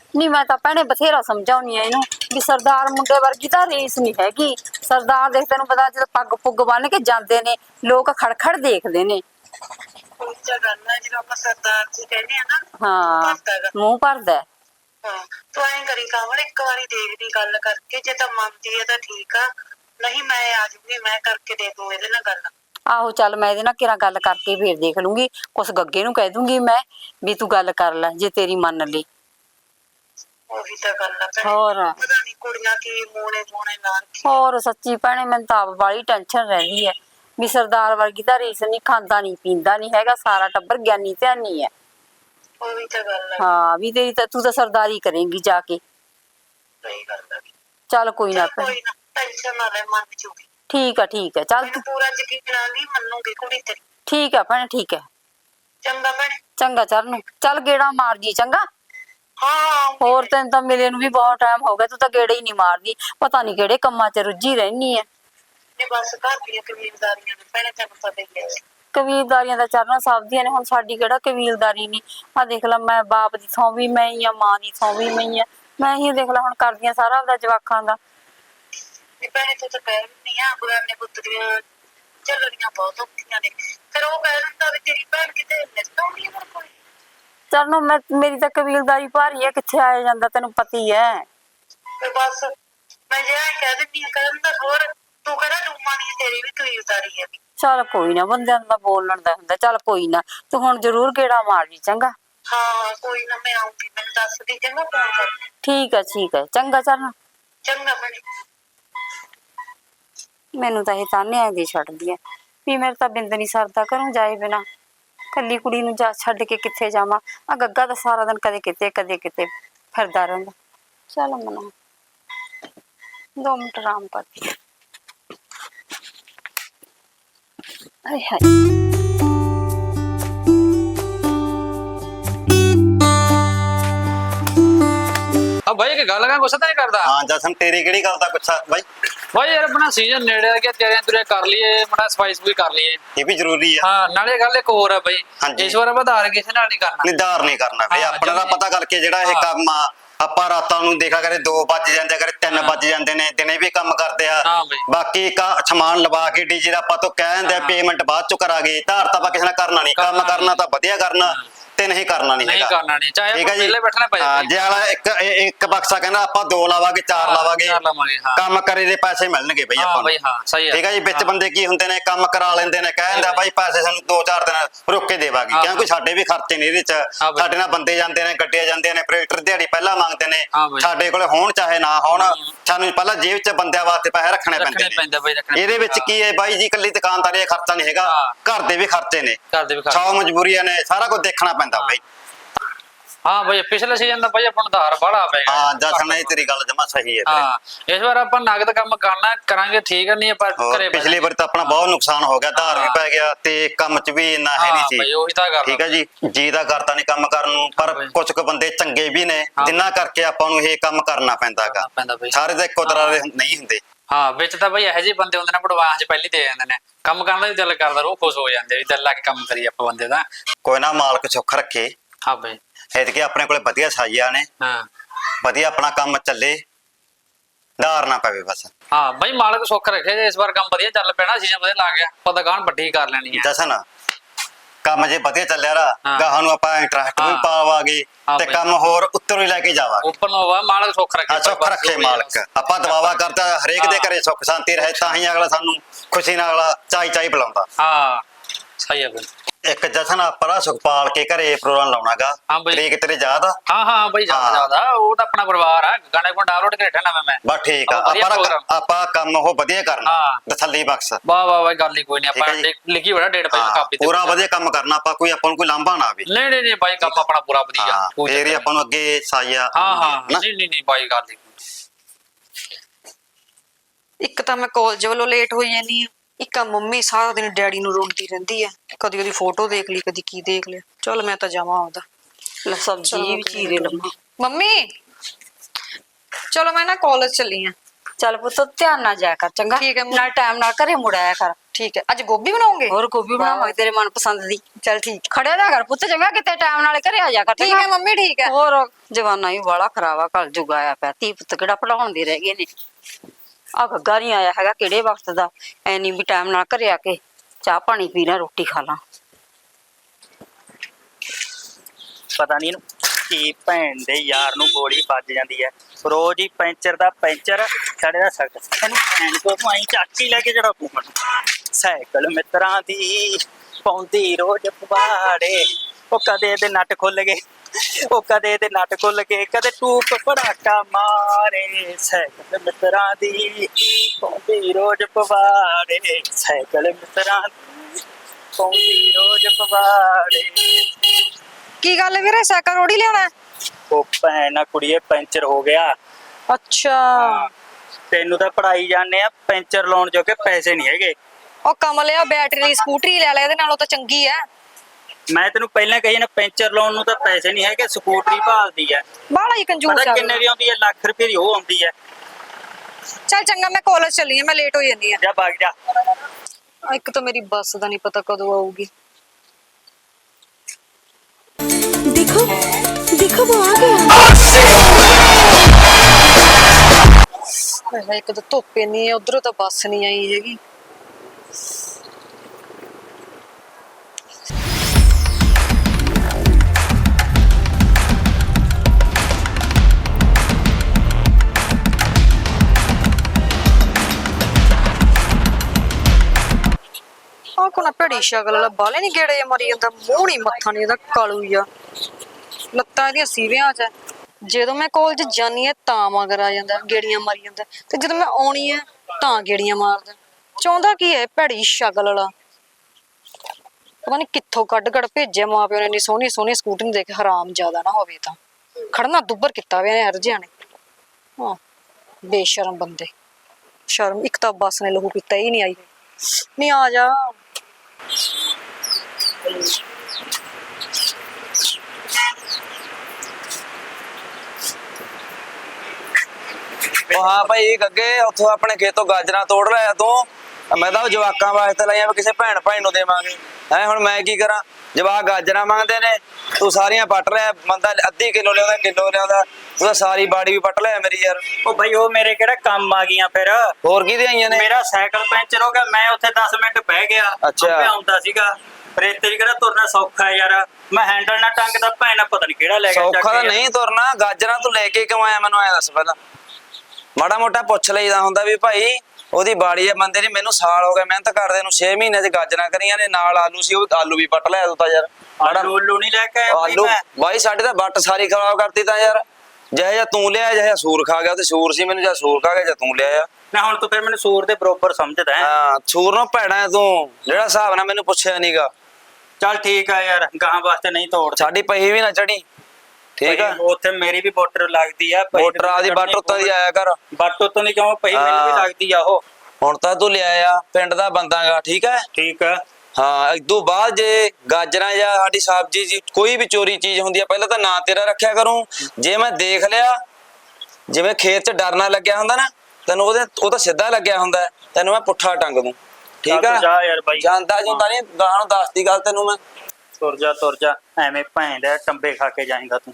[SPEAKER 1] ਨਹੀਂ ਮੈਂ ਤਾਂ ਭੈਣੇ ਬਥੇਰਾ ਸਮਝਾਉਣੀ ਆ ਇਹਨੂੰ ਵੀ ਸਰਦਾਰ ਮੁੰਡੇ ਵਰਗੀ ਤਾਂ ਰੀਸ ਨਹੀਂ ਹੈਗੀ। ਸਰਦਾਰ ਦੇਖ ਤੈਨੂੰ ਪਤਾ ਜਦੋਂ ਪੱਗ ਪੁੱਗ ਬੰਨ ਕੇ ਜਾਂਦੇ ਨੇ ਲੋਕ ਖੜਖੜ ਦੇਖਦੇ ਨੇ।
[SPEAKER 7] ਕੋਈ ਤਾਂ ਗੱਲ ਹੈ ਜਦੋਂ ਆਪਾਂ ਸਰਦਾਰ ਜੀ ਕਹਿੰਦੇ ਆ ਨਾ
[SPEAKER 1] ਹਾਂ
[SPEAKER 7] ਭਰਦਾ ਗਾ।
[SPEAKER 1] ਮੂੰਹ ਭਰਦਾ ਹੈ।
[SPEAKER 7] ਹਾਂ ਤੂੰ ਐਂ ਕਰੀ ਕਮਲ ਇੱਕ ਵਾਰੀ ਦੇਖਦੀ ਗੱਲ ਕਰਕੇ ਜੇ ਤਾਂ ਮੰਨਦੀ ਹੈ ਤਾਂ ਠੀਕ ਆ ਨਹੀਂ ਮੈਂ ਆ ਜੂਗੀ ਮੈਂ ਕਰਕੇ ਦੇਖੂ ਇਹਦੇ ਨਾਲ ਗੱਲ।
[SPEAKER 1] ਆਹੋ ਚੱਲ ਮੈਂ ਇਹਦੇ ਨਾਲ ਕਿਹੜਾ ਗੱਲ ਕਰਕੇ ਫੇਰ ਦੇਖ ਲੂੰਗੀ। ਕੁਛ ਗੱਗੇ ਨੂੰ ਕਹਿ ਦੂੰਗੀ ਮੈਂ ਵੀ ਤੂੰ ਗੱਲ ਕਰ ਲੈ ਜੇ ਤੇਰੀ ਮੰਨ ਲਈ।
[SPEAKER 7] ਉਹੀ ਤਾਂ ਗੱਲ ਆ ਭੈਣੇ।
[SPEAKER 1] ਹੋਰ
[SPEAKER 7] ਪਤਾ ਨਹੀਂ ਕੁੜੀਆਂ ਕੀ ਮੋਣੇ ਮੋਣੇ ਨਾਲ
[SPEAKER 1] ਹੋਰ ਸੱਚੀ ਭੈਣੇ ਮੈਨੂੰ ਤਾਂ ਆਪ ਵਾਲੀ ਟੈਨਸ਼ਨ ਰਹਿੰਦੀ ਹੈ ਵੀ ਸਰਦਾਰ ਵਰਗੀ ਤਾਂ ਰੀਸ ਨਹੀਂ, ਖਾਂਦਾ ਨਹੀਂ ਪੀਂਦਾ ਨਹੀਂ ਹੈਗਾ, ਸਾਰਾ ਟੱਬਰ ਗਿਆਨੀ ਧਿਆਨੀ ਹੈ।
[SPEAKER 7] ਉਹੀ ਤਾਂ ਗੱਲ ਆ
[SPEAKER 1] ਹਾਂ ਵੀ ਤੇਰੀ ਤਾਂ ਤੂੰ ਤਾਂ ਸਰਦਾਰੀ ਕਰੇਂਗੀ ਜਾ ਕੇ।
[SPEAKER 7] ਸਹੀ ਗੱਲ ਆ
[SPEAKER 1] ਚੱਲ ਕੋਈ ਨਾ
[SPEAKER 7] ਚੱਲ
[SPEAKER 1] ਭੈਣੇ।
[SPEAKER 7] ਕੋਈ ਨਾ ਟੈਨਸ਼ਨ ਨਾ ਲੈ ਮੰਨ ਜੂਗੀ
[SPEAKER 1] ਠੀਕ ਆ ਠੀਕ ਹੈ ਚੱਲ
[SPEAKER 7] ਮੈਨੂੰ
[SPEAKER 1] ਤੂੰ
[SPEAKER 7] ਪੂਰਾ ਯਕੀਨ ਆ ਵੀ ਮੰਨੂਗੀ ਕੁੜੀ ਤੇਰੀ।
[SPEAKER 1] ਠੀਕ ਆ ਭੈਣੇ ਠੀਕ ਹੈ
[SPEAKER 7] ਚੰਗਾ ਭੈਣੇ।
[SPEAKER 1] ਚੰਗਾ ਚਰਨ ਚੱਲ ਗੇੜਾ ਮਾਰ ਜੀ ਚੰਗਾ।
[SPEAKER 7] ਹਾਂ
[SPEAKER 1] ਹੋਰ ਤੈਨੂੰ ਤਾਂ ਮਿਲੇ ਨੂੰ ਵੀ ਬਹੁਤ ਟਾਈਮ ਹੋ ਗਿਆ ਤੂੰ ਤਾਂ ਗੇੜੇ ਹੀ ਨਹੀਂ ਮਾਰਦੀ। ਪਤਾ ਨਹੀਂ ਕਿਹੜੇ ਕੰਮਾਂ 'ਚ ਰੁੱਝੀ ਰਹਿਨੀ ਹੈ।
[SPEAKER 7] ਇਹ ਬਸ ਘਰ ਦੀਆਂ ਕਬੀਲਦਾਰੀਆਂ ਨੇ ਭੈਣੇ ਤੈਨੂੰ ਪਤਾ ਹੀ ਹੈ।
[SPEAKER 1] ਕਬੀਲਦਾਰੀਆਂ ਦਾ ਚਰਨਾਂ ਸਭ ਦੀਆਂ ਨੇ। ਹੁਣ ਸਾਡੀ ਕਿਹੜਾ ਕਬੀਲਦਾਰੀ ਨਹੀਂ। ਆ ਦੇਖ ਲੈ ਮੈਂ ਬਾਪ ਦੀ ਥਾਂ ਵੀ ਮੈਂ ਹੀ ਆ, ਮਾਂ ਦੀ ਥਾਂ ਵੀ ਮੈਂ ਹੀ ਆ। ਮੈਂ ਹੀ ਦੇਖ ਲੈ ਹੁਣ ਕਰਦੀਆਂ ਸਾਰਾ ਆਪਦਾ ਜਵਾਕਾਂ ਦਾ।
[SPEAKER 7] ਇਹ ਭੈਣੇ ਤੂੰ ਤਾਂ ਕਹਿ ਨਹੀਂ ਆ ਬਗਾਨੇ ਪੁੱਤ ਦੀਆਂ ਚੱਲਣੀਆਂ ਬਹੁਤ ਔਖੀਆਂ ਨੇ ਫਿਰ ਉਹ ਕਹਿ ਦਿੰਦਾ ਵੀ ਤੇਰੀ ਭੈਣ ਕਿਤੇ ਨਿਸਤਾਉਣੀ ਹੈ ਮੇਰੇ ਕੋਲ।
[SPEAKER 1] ਚਰਨੋਂ ਮੈਂ ਮੇਰੀ ਤਾਂ ਕਬੀਲਦਾਰੀ ਭਾਰੀ ਹੈ, ਕਿੱਥੇ ਆਇਆ ਜਾਂਦਾ ਤੈਨੂੰ ਪਤੀ ਹੈ।
[SPEAKER 7] ਤੇ ਬਸ ਮੈਂ ਜੇ ਐਂ ਕਹਿ ਦਿੰਦੀ ਹਾਂ ਕਹਿ ਦਿੰਦਾ ਹੋਰ ਤੂੰ ਕਹਿੰਦਾ ਡੂਮਾ ਨਹੀਂ ਤੇਰੀ ਵੀ ਕਬੀਲਦਾਰੀ ਉਤਾਰੀ ਹੈ।
[SPEAKER 1] ਚੱਲ ਕੋਈ ਨਾ ਬੰਦਿਆਂ ਦਾ ਬੋਲਣ ਦਾ ਹੁੰਦਾ। ਚੱਲ ਕੋਈ ਨਾ ਤੂੰ ਹੁਣ ਜ਼ਰੂਰ ਗੇੜਾ ਮਾਰ ਜੀ ਚੰਗਾ।
[SPEAKER 7] ਹਾਂ ਕੋਈ ਨਾ ਮੈਂ ਆਉਂਗੀ ਮੈਨੂੰ ਦੱਸਦੀ ਚੰਗਾ ਫੋਨ ਕਰ।
[SPEAKER 1] ਠੀਕ ਹੈ ਠੀਕ ਹੈ ਚੰਗਾ ਚਰਨ।
[SPEAKER 7] ਚੰਗਾ ਭੈਣੇ।
[SPEAKER 1] ਮੈਨੂੰ ਤਾਂ ਇਹ ਤਾਨੇ ਆਂਦੀ ਛੱਡਦੀ ਐ ਵੀ ਮੇਰੇ ਤਾਂ ਬਿੰਦ ਨਹੀਂ ਸਰਦਾ ਘਰੋਂ ਜਾਏ ਬਿਨਾ। ਕੱਲੀ ਕੁੜੀ ਨੂੰ ਜਾ ਛੱਡ ਕੇ ਕਿੱਥੇ ਜਾਵਾਂ। ਆ ਗੱਗਾ ਤਾਂ ਸਾਰਾ ਦਿਨ ਕਦੇ ਕਿਤੇ ਕਦੇ ਕਿਤੇ ਫਿਰਦਾ ਰਹਿੰਦਾ। ਚੱਲ ਮਨਾ ਦੋ ਮਿੰਟ ਆਰਾਮ ਕਰ। ਹਾਏ ਹਾਏ
[SPEAKER 2] ਆ ਬਾਈ ਇੱਕ ਗੱਲ ਕਰਾਂ ਗੁੱਸਾ ਤਾਂ ਨਹੀਂ ਕਰਦਾ।
[SPEAKER 3] ਹਾਂ ਜਸਨ ਤੇਰੀ ਕਿਹੜੀ ਗੱਲ ਦਾ ਗੁੱਸਾ ਬਾਈ?
[SPEAKER 2] ਬਾਈ ਯਾਰ ਆਪਣਾ ਸੀਜ਼ਨ ਨੇੜੇ ਆ ਗਿਆ, ਤਿਆਰੀਆਂ ਤੁਰਿਆ ਕਰ ਲਈਏ, ਮੜਾ ਸਫਾਈਸ ਵੀ ਕਰ ਲਈਏ।
[SPEAKER 3] ਇਹ ਵੀ ਜ਼ਰੂਰੀ ਆ।
[SPEAKER 2] ਹਾਂ ਨਾਲੇ ਗੱਲ ਇੱਕ ਹੋਰ ਆ ਬਾਈ,
[SPEAKER 3] ਹਾਂਜੀ।
[SPEAKER 2] ਇਸ ਵਾਰ ਆਪਾਂ ਆਧਾਰ ਕਿਸੇ ਨਾਲ ਨਹੀਂ ਕਰਨਾ।
[SPEAKER 3] ਨਿਰਧਾਰ ਨਹੀਂ ਕਰਨਾ ਬਈ
[SPEAKER 2] ਹਾਂ,
[SPEAKER 3] ਆਪਣਾ ਦਾ
[SPEAKER 2] ਜਮੀ।
[SPEAKER 3] ਪਤਾ ਕਰਕੇ ਜਿਹੜਾ ਇਹ
[SPEAKER 2] ਹਾਂ।
[SPEAKER 3] ਕੰਮ ਆ ਆਪਾਂ ਰਾਤਾਂ ਨੂੰ ਦੇਖਾ ਕਰੇ ਦੋ ਵੱਜ ਜਾਂਦੇ ਕਰੇ ਤਿੰਨ
[SPEAKER 2] ਹਾਂ।
[SPEAKER 3] ਵੱਜ ਜਾਂਦੇ ਨੇ, ਦਿਨੇ ਵੀ ਕੰਮ ਕਰਦੇ ਆ।
[SPEAKER 2] ਹਾਂ ਬਈ।
[SPEAKER 3] ਬਾਕੀ ਕਾ ਸਮਾਨ ਲਵਾ ਕੇ ਡੀਜੇ ਦਾ ਆਪਾਂ ਤੋਂ ਕਹਿੰਦੇ ਆ
[SPEAKER 2] ਹਾਂ।
[SPEAKER 3] ਪੇਮੈਂਟ ਬਾਅਦ ਚ ਕਰਾਂਗੇ। ਧਾਰ ਤਾਂ ਆਪਾਂ ਕਿਸੇ ਨਾਲ ਕਰਨਾ ਨਹੀਂ। ਕੰਮ
[SPEAKER 2] ਕਰਨਾ
[SPEAKER 3] ਕਰਨਾ
[SPEAKER 2] ਨਹੀਂ।
[SPEAKER 3] ਤਾਂ ਵਧੀਆ ਕਰਨਾ ਤੇ ਨਹੀਂ ਕਰਨਾ ਨਹੀਂ
[SPEAKER 2] ਨਹੀਂ
[SPEAKER 3] ਹੈਗਾ।
[SPEAKER 2] ਕਰਨਾ ਨਹੀਂ, ਚਾਹੇ
[SPEAKER 3] ਠੀਕ
[SPEAKER 2] ਆਪਾਂ
[SPEAKER 3] ਹੈ ਜੀ।
[SPEAKER 2] ਵਿਹਲੇ ਬੈਠਣਾ ਪਏ
[SPEAKER 3] ਹਾਂ
[SPEAKER 2] ਬਾਈ।
[SPEAKER 3] ਜੇ ਵਾਲਾ ਇੱਕ ਇਹ- ਇੱਕ ਬਕਸਾ ਕਹਿੰਦਾ ਆਪਾਂ ਦੋ ਲਾਵਾਂਗੇ ਚਾਰ
[SPEAKER 2] ਹਾਂ,
[SPEAKER 3] ਲਾਵਾਂਗੇ
[SPEAKER 2] ਚਾਰ ਲਾਵਾਂਗੇ, ਹਾਂ।
[SPEAKER 3] ਕੰਮ ਕਰੇ ਦੇ ਪੈਸੇ ਮਿਲਣਗੇ ਬਈ
[SPEAKER 2] ਹਾਂ
[SPEAKER 3] ਆਪਾਂ
[SPEAKER 2] ਬਈ
[SPEAKER 3] ਨੂੰ।
[SPEAKER 2] ਹਾਂ ਸਹੀ ਹੈ।
[SPEAKER 3] ਠੀਕ ਹੈ ਜੀ। ਵਿੱਚ
[SPEAKER 2] ਹਾਂ।
[SPEAKER 3] ਬੰਦੇ ਕੀ ਹੁੰਦੇ ਨੇ ਕੰਮ ਕਰਾ ਲੈਂਦੇ ਨੇ ਕਹਿੰਦੇ ਆ ਬਾਈ ਪੈਸੇ ਸਾਨੂੰ ਦੋ ਚਾਰ ਦਿਨ ਰੁੱਕ ਕੇ ਦੇਵਾਂਗੇ
[SPEAKER 2] ਹਾਂ।
[SPEAKER 3] ਕਿਉਂਕਿ ਸਾਡੇ ਵੀ ਖਰਚੇ ਨੇ ਇਹਦੇ ਚ।
[SPEAKER 2] ਹਾਂ ਬਈ।
[SPEAKER 3] ਸਾਡੇ ਨਾਲ ਬੰਦੇ ਜਾਂਦੇ ਨੇ ਗੱਡੀਆਂ ਜਾਂਦੇ ਨੇ ਆਪਰੇਟਰ ਦਿਹਾੜੀ ਪਹਿਲਾਂ ਮੰਗਦੇ ਨੇ।
[SPEAKER 2] ਹਾਂ ਬਈ।
[SPEAKER 3] ਸਾਡੇ ਕੋਲੇ ਹੋਣ ਚਾਹੇ ਨਾ ਹੋਣ
[SPEAKER 2] ਹਮ।
[SPEAKER 3] ਸਾਨੂੰ ਪਹਿਲਾਂ ਜੇਬ ਚ ਬੰਦਿਆਂ ਵਾਸਤੇ ਪੈਸੇ ਰੱਖਣੇ ਪੈਂਦੇ
[SPEAKER 2] ਰੱਖਣੇ
[SPEAKER 3] ਨੇ।
[SPEAKER 2] ਪੈਂਦੇ ਬਈ ਰੱਖਣੇ
[SPEAKER 3] ਇਹਦੇ ਵਿੱਚ
[SPEAKER 2] ਪੈਂਦੇ।
[SPEAKER 3] ਕੀ ਹੈ ਬਾਈ ਜੀ ਇਕੱਲੀ ਦੁਕਾਨਦਾਰੀ ਦਾ ਖਰਚਾ ਨਹੀਂ ਹੈਗਾ।
[SPEAKER 2] ਹਾਂ।
[SPEAKER 3] ਘਰ ਦੇ ਵੀ ਖਰਚੇ ਨੇ,
[SPEAKER 2] ਘਰ ਦੇ ਵੀ ਖਰਚ।
[SPEAKER 3] ਸੌ ਮਜਬੂਰੀਆਂ ਨੇ, ਸਾਰਾ ਕੁਝ ਦੇਖਣਾ ਪੈਂਦਾ ਬਾਈ।
[SPEAKER 2] ਹਾਂ ਬਈ ਪਿਛਲੇ ਸੀਜ਼ਨ ਦਾ ਬਈ ਆਪਾਂ ਨੂੰ ਆਧਾਰ ਬੜਾ ਪਏਗਾ।
[SPEAKER 3] ਹਾਂ ਜਸਨ ਨਹੀਂ ਤੇਰੀ ਗੱਲ ਜਮਾ ਸਹੀ ਹੈ ਵੀਰੇ।
[SPEAKER 2] ਹਾਂ ਇਸ ਵਾਰ ਆਪਾਂ ਨਗਦ ਕੰਮ ਕਰਨਾ ਕਰਾਂਗੇ ਠੀਕ ਨਹੀਂ ਆਪਾਂ
[SPEAKER 3] ਹੋਰ
[SPEAKER 2] ਘਰੇ ਬਹਿ
[SPEAKER 3] ਪਿਛਲੀ ਵਾਰ ਤਾਂ ਆਪਣਾ ਬਹੁਤ ਨੁਕਸਾਨ ਹੋ ਗਿਆ, ਧਾਰ ਵੀ
[SPEAKER 2] ਹਾਂ।
[SPEAKER 3] ਪੈ ਗਿਆ ਤੇ ਕੰਮ 'ਚ ਵੀ ਇੰਨਾ ਹੈ ਨਹੀਂ
[SPEAKER 2] ਹਾਂ
[SPEAKER 3] ਸੀ।
[SPEAKER 2] ਬਈ ਉਹੀ ਤਾਂ ਗੱਲ ਆ।
[SPEAKER 3] ਠੀਕ ਹੈ ਜੀ। ਜੀ ਦਾ ਕਰਦਾ ਨਹੀਂ ਕੰਮ ਕਰਨ ਨੂੰ, ਪਰ
[SPEAKER 2] ਹਾਂ ਬਈ।
[SPEAKER 3] ਕੁਝ ਕੁ ਬੰਦੇ ਚੰਗੇ ਵੀ ਨੇ
[SPEAKER 2] ਹਾਂ।
[SPEAKER 3] ਜਿੰਨਾ ਕਰਕੇ ਆਪਾਂ ਨੂੰ ਇਹ ਕੰਮ ਕਰਨਾ ਪੈਂਦਾਗਾ।
[SPEAKER 2] ਕਰਨਾ ਪੈਂਦਾ ਬਈ।
[SPEAKER 3] ਸਾਰੇ ਤਾਂ ਇੱਕੋ ਤਰ੍ਹਾਂ ਦੇ ਨਹੀਂ ਹੁੰਦੇ।
[SPEAKER 2] ਹਾਂ ਵਿੱਚ ਤਾਂ ਬਈ ਇਹੋ ਜਿਹੇ ਬੰਦੇ ਹੁੰਦੇ ਨੇ ਐਡਵਾਂਸ ਚ ਪਹਿਲੀ ਦੇ ਜਾਂਦੇ ਨੇ, ਕੰਮ ਕਰਨ ਦਾ ਵੀ ਦਿਲ ਕਰਦਾ, ਰੋਹ ਖੁਸ਼ ਹੋ ਜਾਂਦੇ ਵੀ ਦਿਲ ਲਾ ਕੇ ਕੰਮ ਕਰੀਏ ਆਪਾਂ ਬੰਦੇ ਦਾ।
[SPEAKER 3] ਕੋਈ ਨਾ ਮਾਲਕ ਸੁੱਖ ਰੱਖੇ।
[SPEAKER 2] ਹਾਂ ਬਈ।
[SPEAKER 3] ਐਤਕੀ ਆਪਣੇ ਕੋਲੇ ਵਧੀਆ ਸਾਈਆਂ ਨੇ,
[SPEAKER 2] ਹਾਂ
[SPEAKER 3] ਵਧੀਆ ਆਪਣਾ ਕੰਮ ਚੱਲੇ, ਧਾਰ ਨਾ ਪਵੇ ਬਸ।
[SPEAKER 2] ਹਾਂ ਬਈ ਮਾਲਕ ਸੁੱਖ ਰੱਖੇ ਜੇ ਇਸ ਵਾਰ ਕੰਮ ਵਧੀਆ ਚੱਲ ਪੈਣਾ, ਸੀਜ਼ਨ ਵਧੀਆ ਲੱਗ ਗਿਆ, ਆਪਾਂ ਦੁਕਾਨ ਵੱਡੀ ਕਰ ਲੈਣੀ ਹੈ।
[SPEAKER 3] ਜਸਨ ਕੰਮ ਜੇ ਵਧੀਆ ਚੱਲਿਆ ਰਾ
[SPEAKER 2] ਹਾਂ।
[SPEAKER 3] ਗਾਹਾਂ ਨੂੰ ਆਪਾਂ ਇੰਟਰਸਟ ਵੀ
[SPEAKER 2] ਹਾਂ।
[SPEAKER 3] ਪਾਵਾਂਗੇ
[SPEAKER 2] ਹਾਂ
[SPEAKER 3] ਤੇ
[SPEAKER 2] ਬਈ।
[SPEAKER 3] ਕੰਮ ਹੋਰ ਉੱਤਰ ਹੀ ਲੈ ਕੇ ਜਾਵਾਂਗੇ।
[SPEAKER 2] ਉੱਪਰ ਨੂੰ ਹੋਵਾ ਮਾਲਕ ਸੁੱਖ ਰੱਖੇ।
[SPEAKER 3] ਹਾਂ ਸੁੱਖ
[SPEAKER 2] ਬਸ
[SPEAKER 3] ਰੱਖੇ
[SPEAKER 2] ਜੋ ਵੀ ਆ।
[SPEAKER 3] ਮਾਲਕ। ਆਪਾਂ ਦਵਾਵਾ ਕਰਦਾ ਹਰੇਕ ਦੇ ਘਰੇ ਸੁੱਖ ਸ਼ਾਂਤੀ ਰਹੇ, ਤਾਂ ਹੀ ਅਗਲਾ ਸਾਨੂੰ ਖੁਸ਼ੀ ਨਾਲ ਅਗਲਾ ਚਾਈ ਚਾਈ ਬੁਲਾਉਂਦਾ।
[SPEAKER 2] ਹਾਂ ਸਹੀ ਹੈ ਬਈ।
[SPEAKER 3] ਇੱਕ ਜਸਨ ਆਪਣਾ ਸੁਖਪਾਲ ਕੇ ਘਰੇ ਪ੍ਰੋਗਰਾਮ ਲਾਉਣਾਗਾ।
[SPEAKER 2] ਹਾਂ ਬਈ।
[SPEAKER 3] ਤਰੀਕ ਤੇਰੇ ਯਾਦ ਆ?
[SPEAKER 2] ਹਾਂ ਹਾਂ ਬਈ ਜਿਆਦਾ
[SPEAKER 3] ਹਾਂ।
[SPEAKER 2] ਜਿਆਦਾ ਉਹ ਤਾਂ ਆਪਣਾ ਪਰਿਵਾਰ ਆ, ਗਾਣੇ ਕੋਲ ਡਾਊਨਲੋਡ ਕੇ ਰੱਖਣਾ ਮੈਂ ਮੈਂ
[SPEAKER 3] ਬਸ ਠੀਕ ਆ।
[SPEAKER 2] ਆਪਾਂ ਵਧੀਆ
[SPEAKER 3] ਆਪਾਂ
[SPEAKER 2] ਪ੍ਰੋਗਰਾਮ।
[SPEAKER 3] ਆਪਾਂ ਕੰਮ ਉਹ ਵਧੀਆ ਕਰਨਾ,
[SPEAKER 2] ਹਾਂ।
[SPEAKER 3] ਤਸੱਲੀ ਬਖਸ਼।
[SPEAKER 2] ਵਾਹ ਵਾਹ ਵਾਹ ਗੱਲ ਹੀ ਕੋਈ ਨਹੀਂ,
[SPEAKER 3] ਠੀਕ ਹੈ
[SPEAKER 2] ਆਪਾਂ
[SPEAKER 3] ਜੀ।
[SPEAKER 2] ਲਿਖ- ਲਿਖੀ ਬੜਾ ਡੇਟ ਪਈ
[SPEAKER 3] ਹਾਂ,
[SPEAKER 2] ਕਾਪੀ ਤੇ।
[SPEAKER 3] ਪੂਰਾ ਵਧੀਆ ਕੰਮ ਕਰਨਾ ਆਪਾਂ, ਕੋਈ ਆਪਾਂ ਨੂੰ ਕੋਈ ਲਾਂਭਾ ਨਾ ਆਵੇ।
[SPEAKER 2] ਨਹੀਂ ਨਹੀਂ ਨਹੀਂ ਬਾਈ ਕੰਮ ਆਪਣਾ ਪੂਰਾ ਵਧੀਆ।
[SPEAKER 3] ਹਾਂ
[SPEAKER 2] ਕੋਈ
[SPEAKER 3] ਫੇਰ ਹੀ
[SPEAKER 2] ਚੱਕਰ
[SPEAKER 3] ਆਪਾਂ ਨੂੰ ਅੱਗੇ ਸਾਇਆ।
[SPEAKER 2] ਹਾਂ ਹਾਂ
[SPEAKER 3] ਨਾ?
[SPEAKER 2] ਨਹੀਂ ਨਹੀਂ ਨਹੀਂ ਬਾਈ ਗੱਲ ਹੀ
[SPEAKER 6] ਇੱਕ ਤਾਂ ਮੈਂ ਕਾਲਜ ਵੱਲੋਂ ਲੇਟ ਹੋਈ ਜਾਨੀ ਆ, ਇੱਕ ਆ ਮੰਮੀ ਸਾਰਾ ਦਿਨ ਡੈਡੀ ਨੂੰ ਰੋਂਦੀ ਰਹਿੰਦੀ ਆ, ਕਦੀ ਉਹਦੀ ਫੋਟੋ ਦੇਖ ਲਈ, ਕਦੀ ਕੀ ਦੇਖ ਲਿਆ। ਚਲ ਮੈਂ ਤਾਂ ਜਾਵਾਂ ਆਪਦਾ।
[SPEAKER 1] ਲੈ ਸਬਜ਼ੀ ਵੀ ਚੀਰੇ ਲੰਮਾ।
[SPEAKER 6] ਮੰਮੀ ਚਲੋ ਮੈਂ ਨਾ ਕਾਲਜ ਚੱਲੀ ਆ।
[SPEAKER 1] ਚੱਲ ਪੁੱਤ ਧਿਆਨ ਨਾਲ ਜਾਇਆ ਕਰ ਚੰਗਾ।
[SPEAKER 6] ਠੀਕ ਹੈ ਮੰਮੀ।
[SPEAKER 1] ਨਾਲ ਟਾਈਮ ਨਾਲ ਘਰੇ ਮੁੜ ਆਇਆ ਕਰ।
[SPEAKER 6] ਠੀਕ ਹੈ, ਅੱਜ ਗੋਭੀ ਬਣਾਉਂਗੇ?
[SPEAKER 1] ਹੋਰ ਗੋਭੀ ਬਣਾਵਾਂਗੇ ਤੇਰੇ ਮਨਪਸੰਦ ਦੀ। ਚੱਲ ਠੀਕ, ਖੜਿਆ ਜਾ ਕਰ ਪੁੱਤ, ਚੰਗਾ ਕਿਤੇ ਟਾਈਮ ਨਾਲ ਘਰੇ ਆ ਜਾ ਕਰ।
[SPEAKER 6] ਠੀਕ ਹੈ ਮੰਮੀ, ਠੀਕ ਹੈ।
[SPEAKER 1] ਹੋਰ ਜਵਾਨਾ ਵੀ ਵਾਲਾ ਖਰਾਵਾ, ਕਲ ਜੁਗ ਆਇਆ ਪਿਆ, ਧੀ ਪੁੱਤ ਕਿਹੜਾ ਪੜਾਉਣ ਦੇ ਰਹਿ ਗਏ ਨੇ। ਆ ਗੱਗਾ ਨਹੀਂ ਆਇਆ ਹੈਗਾ ਕਿਹੜੇ ਵਕਤ ਦਾ, ਐਨੀ ਵੀ ਟਾਈਮ ਨਾਲ ਘਰੇ ਆ ਕੇ ਚਾਹ ਪਾਣੀ ਪੀ ਲਾਂ, ਰੋਟੀ ਖਾ ਲਾਂ।
[SPEAKER 5] ਪਤਾ ਨਹੀਂ ਇਹਨੂੰ ਕੀ ਭੈਣ ਦੇ ਯਾਰ ਨੂੰ ਗੋਲੀ ਵੱਜ ਜਾਂਦੀ ਹੈ, ਰੋਜ਼ ਹੀ ਪੈਂਚਰ ਦਾ ਪੈਂਚਰ, ਸਾਡੇ ਦਾ ਸੜਕ। ਇਹਨੂੰ ਭੈਣ ਕੋ ਤੂੰ ਆਈ ਚੱਕ ਹੀ ਲੈ ਕੇ ਜਿਹੜਾ ਤੂੰ ਮੈਨੂੰ ਸਾਈਕਲ ਮਿੱਤਰਾਂ ਦੀ ਪਾਉਂਦੀ ਰੋਜ਼ ਪਵਾੜੇ, ਉਹ ਕਦੇ ਦੇ ਨੱਟ ਖੁੱਲ ਗਏ, ਉਹ ਕਦੇ ਦੇ ਨੱਟ ਖੁੱਲ ਗਏ, ਕਦੇ ਟੂਪ ਪੜਾਕਾ ਮਾਰੇ, ਸਾਈਕਲ ਮਿੱਤਰਾਂ ਦੀ ਪਾਉਂਦੀ ਰੋਜ਼ ਪਵਾੜੇ, ਸਾਈਕਲ ਮਿੱਤਰਾਂ ਦੀ ਪਾਉਂਦੀ ਰੋਜ਼ ਪਵਾੜੇ।
[SPEAKER 6] ਕੀ ਗੱਲ ਹੈ ਵੀਰੇ, ਸਾਈਕਲ ਰੋੜੀ ਲਿਆਉਣਾ?
[SPEAKER 5] ਉਹ ਭੈਣ ਨਾ ਕੁੜੀਏ ਪੈਂਚਰ ਹੋ ਗਿਆ।
[SPEAKER 6] ਅੱਛਾ,
[SPEAKER 5] ਤੈਨੂੰ ਤਾਂ ਪੜਾਈ ਜਾਂਦੇ ਆ, ਪੈਂਚਰ ਲਾਉਣ ਜੋਗੇ ਪੈਸੇ ਨਹੀਂ ਹੈਗੇ।
[SPEAKER 6] ਉਹ ਕਮਲਿਆ ਬੈਟਰੀ ਵਾਲੀ ਸਕੂਟਰੀ ਲੈ ਲੈ, ਇਹਦੇ ਨਾਲੋਂ ਤਾਂ ਚੰਗੀ ਹੈ।
[SPEAKER 5] ਮੈਂ ਤੈਨੂੰ ਪਹਿਲਾਂ ਕਹੀ ਨਾ ਪੈਂਚਰ ਲਾਉਣ ਨੂੰ ਤਾਂ ਪੈਸੇ ਨਹੀਂ ਹੈਗੇ, ਸਕੂਟਰੀ ਭਾਲਦੀ ਹੈ।
[SPEAKER 6] ਬਾਹਲਾ ਹੀ ਕੰਜੂਸ
[SPEAKER 5] ਪਤਾ
[SPEAKER 6] ਆ।
[SPEAKER 5] ਕਿੰਨੇ ਦੀ ਆਉਂਦੀ ਹੈ? ਲੱਖ ਰੁਪਏ ਦੀ ਉਹ ਆਉਂਦੀ ਹੈ।
[SPEAKER 6] ਚੱਲ ਚੰਗਾ, ਮੈਂ ਕਾਲਜ ਚੱਲੀ ਆ, ਮੈਂ ਲੇਟ ਹੋ ਜਾਂਦੀ ਆ।
[SPEAKER 5] ਜਾ ਭਾਗ ਜਾ।
[SPEAKER 6] ਇੱਕ ਤਾਂ ਮੇਰੀ ਬੱਸ ਦਾ ਨਹੀਂ ਪਤਾ ਕਦੋਂ ਆਊਗੀ।
[SPEAKER 8] देखो देखो वो आ गया।
[SPEAKER 6] ਮੈਂ ਇੱਕ ਤਾਂ ਧੁੱਪ ਇੰਨੀ ਹੈ, ਉਧਰੋਂ ਤਾਂ ਬੱਸ ਨਹੀਂ ਆਈ ਹੈਗੀ। ਆਹ ਕੋਨਾ ਭੜੀ ਸ਼ਕਲ ਵਾਲਾ, ਬਾਲੇ ਨਹੀਂ ਗੇੜੇ ਮਾਰੀ ਜਾਂਦਾ, ਮੂੰਹ ਨਹੀਂ ਮੱਥਾ ਨਹੀਂ ਇਹਦਾ, ਕਾਲੂ ਹੀ ਆ, ਲੱਤਾਂ ਇਹਦੀਆਂ ਸੀਵਿਆਂ ਚ। ਜਦੋਂ ਮੈਂ ਕਾਲਜ ਜਾਨੀ ਆ ਤਾਂ ਮਗਰ ਆ ਜਾਂਦਾ, ਗੇੜੀਆਂ ਮਾਰੀ ਜਾਂਦਾ, ਤੇ ਜਦੋਂ ਮੈਂ ਆਉਣੀ ਆ ਤਾਂ ਗੇੜੀਆਂ ਮਾਰਦਾ। ਚਾਹੁੰਦਾ ਕੀ ਹੈ ਭੜੀ ਸ਼ਕਲ ਵਾਲਾ? ਪਤਾ ਨਹੀਂ ਕਿੱਥੋਂ ਕੱਢ ਕੱਢ ਭੇਜਿਆ ਮਾਂ ਪਿਓ ਨੇ, ਇੰਨੀ ਸੋਹਣੀ ਸੋਹਣੀ ਸਕੂਟਰੀ ਦੇਖ, ਹਰਾਮ ਜ਼ਿਆਦਾ ਨਾ ਹੋਵੇ ਤਾਂ। ਖੜਨਾ ਦੁੱਬਰ ਕੀਤਾ ਵੇ ਅਰਜਿਆਂ ਨੇ। ਹਾਂ, ਬੇਸ਼ਰਮ ਬੰਦੇ, ਸ਼ਰਮ। ਇੱਕ ਤਾਂ ਬੱਸ ਨੇ ਲਹੂ ਪੀਤਾ ਹੀ ਨਹੀਂ ਆਈ। ਨਹੀਂ ਆ ਜਾ।
[SPEAKER 4] ਉਹ ਹਾਂ ਭਾਈ ਗੱਗੇ, ਉੱਥੋਂ ਆਪਣੇ ਖੇਤੋਂ ਗਾਜਰਾਂ ਤੋੜ ਲਿਆ ਤੂੰ। ਮੈਂ ਤਾਂ ਉਹ ਜਵਾਕਾਂ ਵਾਸਤੇ ਲਾਈਆਂ ਵੀ ਕਿਸੇ ਭੈਣ ਭਾਈ ਨੂੰ ਦੇਵਾਂਗੇ। ਹੈ ਹੁਣ ਮੈਂ ਕੀ ਕਰਾਂ, ਜਵਾਕ ਗਾਜਰਾਂ ਮੰਗਦੇ ਨੇ, ਤੂੰ ਸਾਰੀਆਂ ਪੱਟ ਲਿਆ। ਬੰਦਾ ਅੱਧੀ ਕਿਲੋ ਲਿਆਉਂਦਾ, ਕਿਲੋ ਲਿਆਉਂਦਾ, ਤੂੰ ਤਾਂ ਸਾਰੀ ਬਾੜੀ ਵੀ ਪੱਟ ਲਿਆ ਮੇਰੀ ਯਾਰ।
[SPEAKER 5] ਉਹ ਬਈ ਉਹ ਮੇਰੇ ਕਿਹੜਾ ਕੰਮ ਆ ਗਈਆਂ ਫਿਰ?
[SPEAKER 4] ਹੋਰ ਕੀ ਆਈਆਂ ਨੇ?
[SPEAKER 5] ਮੇਰਾ ਸਾਈਕਲ ਪੈਂਚਰ ਹੋ ਗਿਆ, ਮੈਂ ਉੱਥੇ ਦਸ ਮਿੰਟ ਬਹਿ ਗਿਆ।
[SPEAKER 4] ਅੱਛਾ।
[SPEAKER 5] ਆਪੇ ਆਉਂਦਾ ਸੀਗਾ, ਰੇਤੇ 'ਚ ਕਿਹੜਾ ਤੁਰਨਾ ਸੌਖਾ ਹੈ ਯਾਰ। ਮੈਂ ਹੈਂਡਲ ਨਾਲ ਟੰਗਦਾ, ਭੈਣ ਪਤਾ ਨਹੀਂ ਕਿਹੜਾ ਲੈ ਗਿਆ ਚੱਕ
[SPEAKER 4] ਸੌਖਾ ਤਾਂ
[SPEAKER 5] ਕੇ।
[SPEAKER 4] ਨਹੀਂ ਤੁਰਨਾ। ਗਾਜਰਾਂ ਤੂੰ ਲੈ ਕੇ ਕਿਉਂ ਆਇਆ ਮੈਨੂੰ ਐ ਦੱਸ ਪਹਿਲਾਂ। ਮਾੜਾ ਮੋਟਾ ਪੁੱਛ ਲਈਦਾ ਹੁੰਦਾ ਵੀ ਭਾਈ ਉਹਦੀ ਬਾੜੀ ਆ ਬੰਦੇ ਨੇ, ਮੈਨੂੰ ਸਾਲ ਹੋ ਗਿਆ ਮਿਹਨਤ ਕਰਦੇ ਨੂੰ, ਛੇ ਮਹੀਨੇ ਚ ਗਾਜਰਾਂ ਕਰੀਆਂ ਨੇ, ਨਾਲ ਆਲੂ ਸੀ, ਉਹ ਆਲੂ ਵੀ ਪੱਟ ਲਿਆ ਤੂੰ ਤਾਂ ਯਾਰ।
[SPEAKER 5] ਆਲੂ ਉਲੂ ਨਹੀਂ ਲੈ ਕੇ ਆਇਆ ਬਈ
[SPEAKER 4] ਆਲੂ
[SPEAKER 5] ਮੈਂ।
[SPEAKER 4] ਬਾਈ ਸਾਡੇ ਤਾਂ ਬੱਟ ਸਾਰੀ ਖਰਾਬ ਕਰਤੀ ਤਾਂ ਯਾਰ। ਜਿਹੇ ਜਿਹਾ ਤੂੰ ਲਿਆ, ਜਿਹੇ ਸੂਰ ਖਾ ਗਿਆ, ਤੇ ਸੂਰ ਸੀ ਮੈਨੂੰ, ਜਾਂ ਸੂਰ ਖਾ ਗਿਆ ਜਾਂ ਤੂੰ ਲਿਆ।
[SPEAKER 5] ਨਾ ਹੁਣ ਤੂੰ ਫਿਰ ਮੈਨੂੰ ਸੂਰ ਦੇ ਬਰੋਬਰ ਸਮਝਦਾ ਹੈ।
[SPEAKER 4] ਹਾਂ, ਸੂਰ ਨੂੰ ਭੈੜਾ ਤੂੰ, ਜਿਹੜਾ ਹਿਸਾਬ ਨਾਲ ਮੈਨੂੰ ਪੁੱਛਿਆ ਨੀਗਾ।
[SPEAKER 5] ਚੱਲ ਠੀਕ ਆ ਯਾਰ, ਗਾਂ ਵਾਸਤੇ ਨਹੀਂ ਤੋੜ
[SPEAKER 4] ਸਾਡੀ ਪਹੀ ਵੀ ਨਾ ਚੜੀ, ਠੀਕ ਆ?
[SPEAKER 5] ਉੱਥੇ ਮੇਰੀ ਵੀ ਵੋਟਰ ਲੱਗਦੀ ਆ।
[SPEAKER 4] ਮੋਟਰ ਆਦੀ ਬੱਟ ਉੱਤੋਂ ਦੀ ਆਇਆ ਕਰ।
[SPEAKER 5] ਬੱਟ ਉੱਤੋਂ ਦੀ ਕਿਉਂ? ਪਹੀ ਮੈਨੂੰ ਵੀ
[SPEAKER 4] ਹਾਂ।
[SPEAKER 5] ਲੱਗਦੀ ਆ ਉਹ।
[SPEAKER 4] ਹੁਣ ਤਾਂ ਤੂੰ ਲਿਆ ਆ, ਪਿੰਡ ਦਾ ਬੰਦਾਗਾ, ਠੀਕ ਹੈ?
[SPEAKER 5] ਠੀਕ ਆ।
[SPEAKER 4] ਹਾਂ, ਇਦੋਂ ਬਾਅਦ ਜੇ ਗਾਜਰਾਂ ਜਾਂ ਸਾਡੀ ਸਬਜ਼ੀ ਜੀ ਕੋਈ ਵੀ ਚੋਰੀ ਚੀਜ਼ ਹੁੰਦੀ ਆ, ਪਹਿਲਾਂ ਤਾਂ ਨਾਂ ਤੇਰਾ ਰੱਖਿਆ ਕਰੂੰ। ਜੇ ਮੈਂ ਦੇਖ ਲਿਆ, ਜਿਵੇਂ ਖੇਤ 'ਚ ਡਰਨਾ ਲੱਗਿਆ ਹੁੰਦਾ ਨਾ ਤੈਨੂੰ, ਉਹਦੇ ਉਹ ਤਾਂ ਸਿੱਧਾ ਲੱਗਿਆ ਹੁੰਦਾ, ਤੈਨੂੰ ਮੈਂ ਪੁੱਠਾ ਟੰਗ ਦੂੰ, ਠੀਕ ਆ?
[SPEAKER 5] ਜਾ ਯਾਰ ਬਾਈ,
[SPEAKER 4] ਜਾਂਦਾ ਜੁੰਦਾ ਨਹੀਂ, ਗਾਂ ਨੂੰ ਦੱਸਦੀ ਗੱਲ ਤੈਨੂੰ ਮੈਂ।
[SPEAKER 5] ਤੁਰ ਜਾ ਤੁਰ ਜਾ, ਐਵੇਂ ਭੈਣ ਦੇ ਟੰਬੇ ਖਾ ਕੇ ਜਾਏਂਗਾ ਤੂੰ।